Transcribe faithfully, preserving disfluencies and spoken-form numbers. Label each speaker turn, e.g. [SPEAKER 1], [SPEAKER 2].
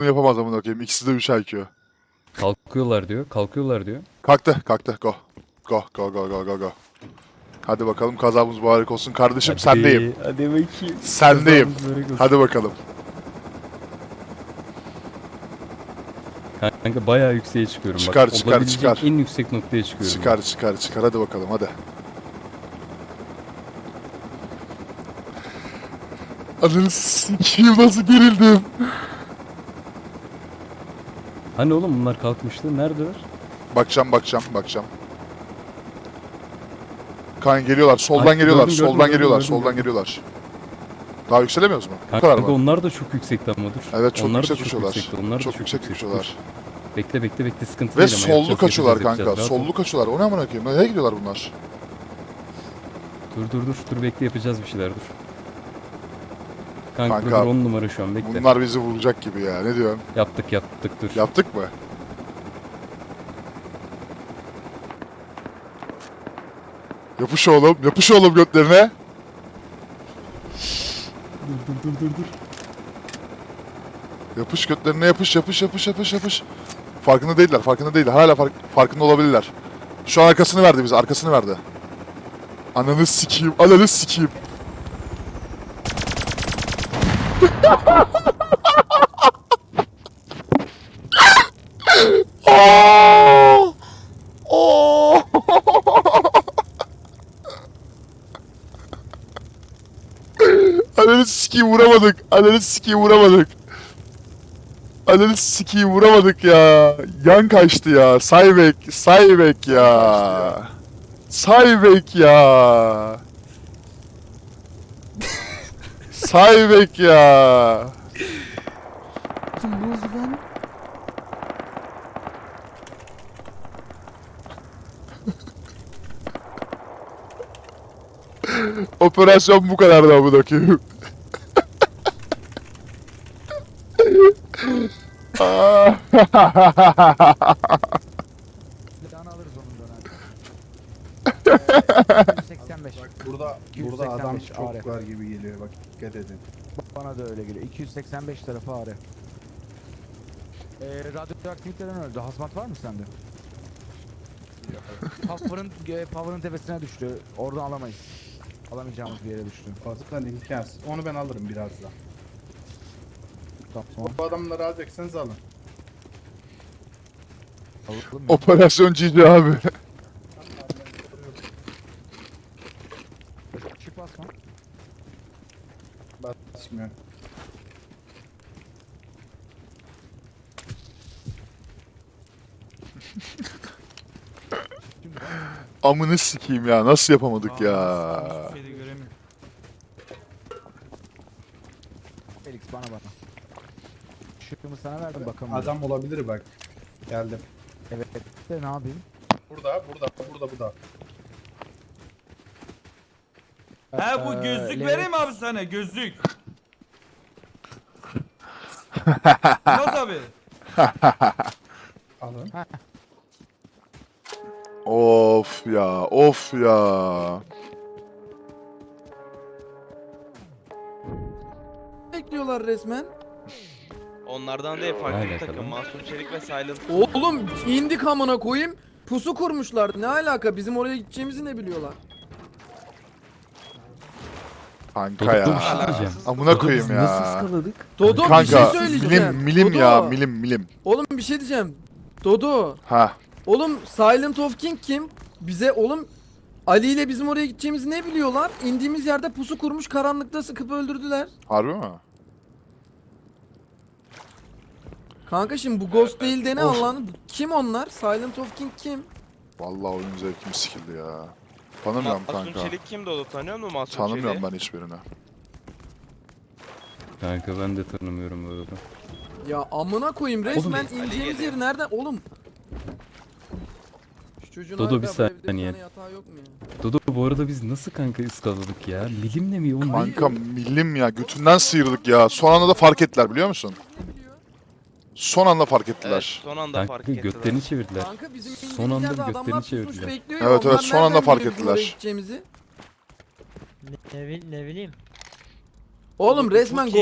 [SPEAKER 1] yapamaz amına koyayım. İkisi de üç I Q.
[SPEAKER 2] Kalkıyorlar diyor. Kalkıyorlar diyor.
[SPEAKER 1] Kalktı, kalktı. Go. Go, go, go, go, go, go. Hadi bakalım kazamız mübarek olsun. Kardeşim
[SPEAKER 2] Hadi,
[SPEAKER 1] sendeyim.
[SPEAKER 2] Hadi bakayım.
[SPEAKER 1] Sendeyim.
[SPEAKER 2] Kazamız mübarek olsun.
[SPEAKER 1] Hadi bakalım.
[SPEAKER 2] Kanka bayağı yükseğe çıkıyorum.
[SPEAKER 1] Çıkar,
[SPEAKER 2] Bak,
[SPEAKER 1] çıkar,
[SPEAKER 2] olabilecek
[SPEAKER 1] çıkar.
[SPEAKER 2] en yüksek noktaya çıkıyorum.
[SPEAKER 1] Çıkar, çıkar, çıkar. Hadi bakalım, hadi. Ananı sikiyim, nasıl gerildim.
[SPEAKER 2] Hani oğlum bunlar kalkmıştı. Neredeler?
[SPEAKER 1] Bakacağım, bakacağım, bakacağım. Kan geliyorlar, soldan
[SPEAKER 2] Ay,
[SPEAKER 1] geliyorlar,
[SPEAKER 2] gördüm,
[SPEAKER 1] soldan
[SPEAKER 2] gördüm,
[SPEAKER 1] geliyorlar,
[SPEAKER 2] gördüm,
[SPEAKER 1] soldan
[SPEAKER 2] gördüm.
[SPEAKER 1] geliyorlar. Daha yükselemiyoruz mu? Bu
[SPEAKER 2] Kanka,
[SPEAKER 1] kadar mı?
[SPEAKER 2] onlar da çok yüksekti ama dur.
[SPEAKER 1] Evet, çok
[SPEAKER 2] onlar
[SPEAKER 1] yüksek
[SPEAKER 2] da çok
[SPEAKER 1] uçuyorlar.
[SPEAKER 2] yüksekti. Onlar
[SPEAKER 1] Çok
[SPEAKER 2] da çok
[SPEAKER 1] yüksek
[SPEAKER 2] yüksekti.
[SPEAKER 1] uçuyorlar.
[SPEAKER 2] Dur. Bekle bekle bekle sıkıntı
[SPEAKER 1] Ve
[SPEAKER 2] değil ama
[SPEAKER 1] sollu
[SPEAKER 2] yapacağız,
[SPEAKER 1] kaçıyorlar
[SPEAKER 2] yapacağız,
[SPEAKER 1] kanka,
[SPEAKER 2] yapacağız. Rahat ol.
[SPEAKER 1] sollu kaçıyorlar. O ne amına koyayım? Nereye gidiyorlar bunlar?
[SPEAKER 2] Dur dur dur. Dur bekle yapacağız bir şeyler dur. Kanka,
[SPEAKER 1] Kanka,
[SPEAKER 2] dur on numara şu an bekle.
[SPEAKER 1] Bunlar bizi vuracak gibi ya. Ne diyorsun?
[SPEAKER 2] Yaptık yaptık dur.
[SPEAKER 1] Yaptık mı? Yapış oğlum, yapış oğlum götlerine.
[SPEAKER 2] Dur dur dur dur dur.
[SPEAKER 1] Yapış götlerine, yapış, yapış, yapış, yapış, yapış. Farkında değiller, farkında değiller. Hala fark, farkında olabilirler. Şu an arkasını verdi bize, arkasını verdi. Ananı sikeyim, ananı sikeyim. Oh! Oh! Ananı sikeyim vuramadık. Ananı sikeyim vuramadık. Ananı sikeyim vuramadık ya. Yan kaçtı ya. Saybek, Saybek ya. Saybek ya. Saybek ya.
[SPEAKER 2] Ne oldu lan?
[SPEAKER 1] Operasyon bu kadardı amına koyayım.
[SPEAKER 3] Silahını alırız onun dönemde. iki yüz seksen beş.
[SPEAKER 4] Bak burada
[SPEAKER 3] iki yüz
[SPEAKER 4] burada
[SPEAKER 3] seksen
[SPEAKER 4] adam
[SPEAKER 3] beş
[SPEAKER 4] çok
[SPEAKER 3] ağrı.
[SPEAKER 4] var gibi geliyor bak dikkat edin.
[SPEAKER 3] Bana da öyle geliyor. iki yüz seksen beş tarafı ağrı. Ee, radyoaktiviteden öldü. Hazmat var mı sende? Power'ın e, Power'ın tepesine düştü. Oradan alamayız. Alamayacağımız bir yere düştü.
[SPEAKER 4] Fazla imkansız. Onu ben alırım birazdan.
[SPEAKER 3] Tamam.
[SPEAKER 4] Bu adamları alacaksanız alın.
[SPEAKER 3] Alalım mı?
[SPEAKER 1] Operasyon Cici abi.
[SPEAKER 3] Çık basma.
[SPEAKER 4] Basmıyor.
[SPEAKER 3] Şimdi
[SPEAKER 1] Amını sikeyim ya. Nasıl yapamadık ya?
[SPEAKER 5] Hiçbir şey de göremiyorum.
[SPEAKER 3] Felix bana bana. Şıkkımı sana verdim bakalım.
[SPEAKER 4] Adam olabilir bak. Geldim.
[SPEAKER 3] Evet. De ne yapayım?
[SPEAKER 4] Burada, burada, burada, burada.
[SPEAKER 5] He bu
[SPEAKER 3] Ee,
[SPEAKER 5] gözlük
[SPEAKER 3] le-
[SPEAKER 5] vereyim abi sana gözlük. Yaz abi.
[SPEAKER 4] Alın.
[SPEAKER 1] Of ya, of ya.
[SPEAKER 6] Bekliyorlar resmen.
[SPEAKER 7] Onlardan değil farklı
[SPEAKER 2] Aynen
[SPEAKER 7] bir takım.
[SPEAKER 2] tabii.
[SPEAKER 7] Masum Çelik ve Silent.
[SPEAKER 6] Oğlum indik amına koyayım. Pusu kurmuşlar. Ne alaka? Bizim oraya gideceğimizi ne biliyorlar?
[SPEAKER 1] Kanka
[SPEAKER 2] Dodo bir şey
[SPEAKER 1] ya.
[SPEAKER 2] diyeceğim.
[SPEAKER 1] Amına
[SPEAKER 2] Dodo,
[SPEAKER 1] koyayım
[SPEAKER 2] biz
[SPEAKER 1] ya.
[SPEAKER 2] Nasıl ıskaladık?
[SPEAKER 6] Dodo bir
[SPEAKER 1] Kanka
[SPEAKER 6] şey söyleyeceğim.
[SPEAKER 1] milim milim
[SPEAKER 6] Dodo.
[SPEAKER 1] ya, milim milim.
[SPEAKER 6] Oğlum bir şey diyeceğim. Dodo.
[SPEAKER 1] Ha.
[SPEAKER 6] Oğlum Silent of King kim? Bize oğlum Ali ile bizim oraya gideceğimizi ne biliyorlar? İndiğimiz yerde pusu kurmuş karanlıkta sıkıp öldürdüler.
[SPEAKER 1] Harbi mi?
[SPEAKER 6] Kanka şimdi bu Ghost değil de ne
[SPEAKER 1] Of.
[SPEAKER 6] Allah'ını? Kim onlar? Silent of King kim?
[SPEAKER 1] Vallahi oyun zevkim sikildi ya. Tanımıyorum
[SPEAKER 7] Masum
[SPEAKER 1] kanka.
[SPEAKER 7] Çelik kimdi o da tanıyor musun Masum
[SPEAKER 1] Tanımıyorum
[SPEAKER 7] Çelik'i?
[SPEAKER 1] ben hiçbirini.
[SPEAKER 2] Kanka ben de tanımıyorum böyle.
[SPEAKER 6] Ya amına koyayım resmen
[SPEAKER 7] Ali
[SPEAKER 6] ineceğimiz
[SPEAKER 7] geliyor.
[SPEAKER 6] yer nereden? Oğlum. Şu çocuğun
[SPEAKER 2] Dodo,
[SPEAKER 6] hala
[SPEAKER 2] bir
[SPEAKER 6] bu evde bir
[SPEAKER 2] saniye.
[SPEAKER 6] tane yatağı yok mu ya?
[SPEAKER 2] Dodo bu arada biz nasıl kanka ıskaladık ya? Milimle mi? O ne?
[SPEAKER 1] Kanka milim ya, götünden sıyırdık ya. Son anda da fark ettiler biliyor musun?
[SPEAKER 6] Ne biliyor?
[SPEAKER 1] Son anda fark
[SPEAKER 7] Evet,
[SPEAKER 1] ettiler.
[SPEAKER 7] son anda fark
[SPEAKER 2] Kanka
[SPEAKER 7] ettiler.
[SPEAKER 2] götlerini çevirdiler.
[SPEAKER 6] Kanka bizim
[SPEAKER 2] Son
[SPEAKER 6] indiğimiz
[SPEAKER 2] anda
[SPEAKER 6] yerde
[SPEAKER 2] götlerini
[SPEAKER 6] adamlar pusmuş
[SPEAKER 2] çevirdiler.
[SPEAKER 6] bekliyor ya.
[SPEAKER 1] Evet, evet,
[SPEAKER 6] Onlar
[SPEAKER 1] son anda
[SPEAKER 6] nereden
[SPEAKER 1] fark
[SPEAKER 6] biliyor bizim oraya
[SPEAKER 1] ettiler.
[SPEAKER 6] gideceğimizi?
[SPEAKER 8] Ne, ne, bil- ne bileyim.
[SPEAKER 6] Oğlum
[SPEAKER 7] Oğlum,
[SPEAKER 6] resmen
[SPEAKER 7] çok iyi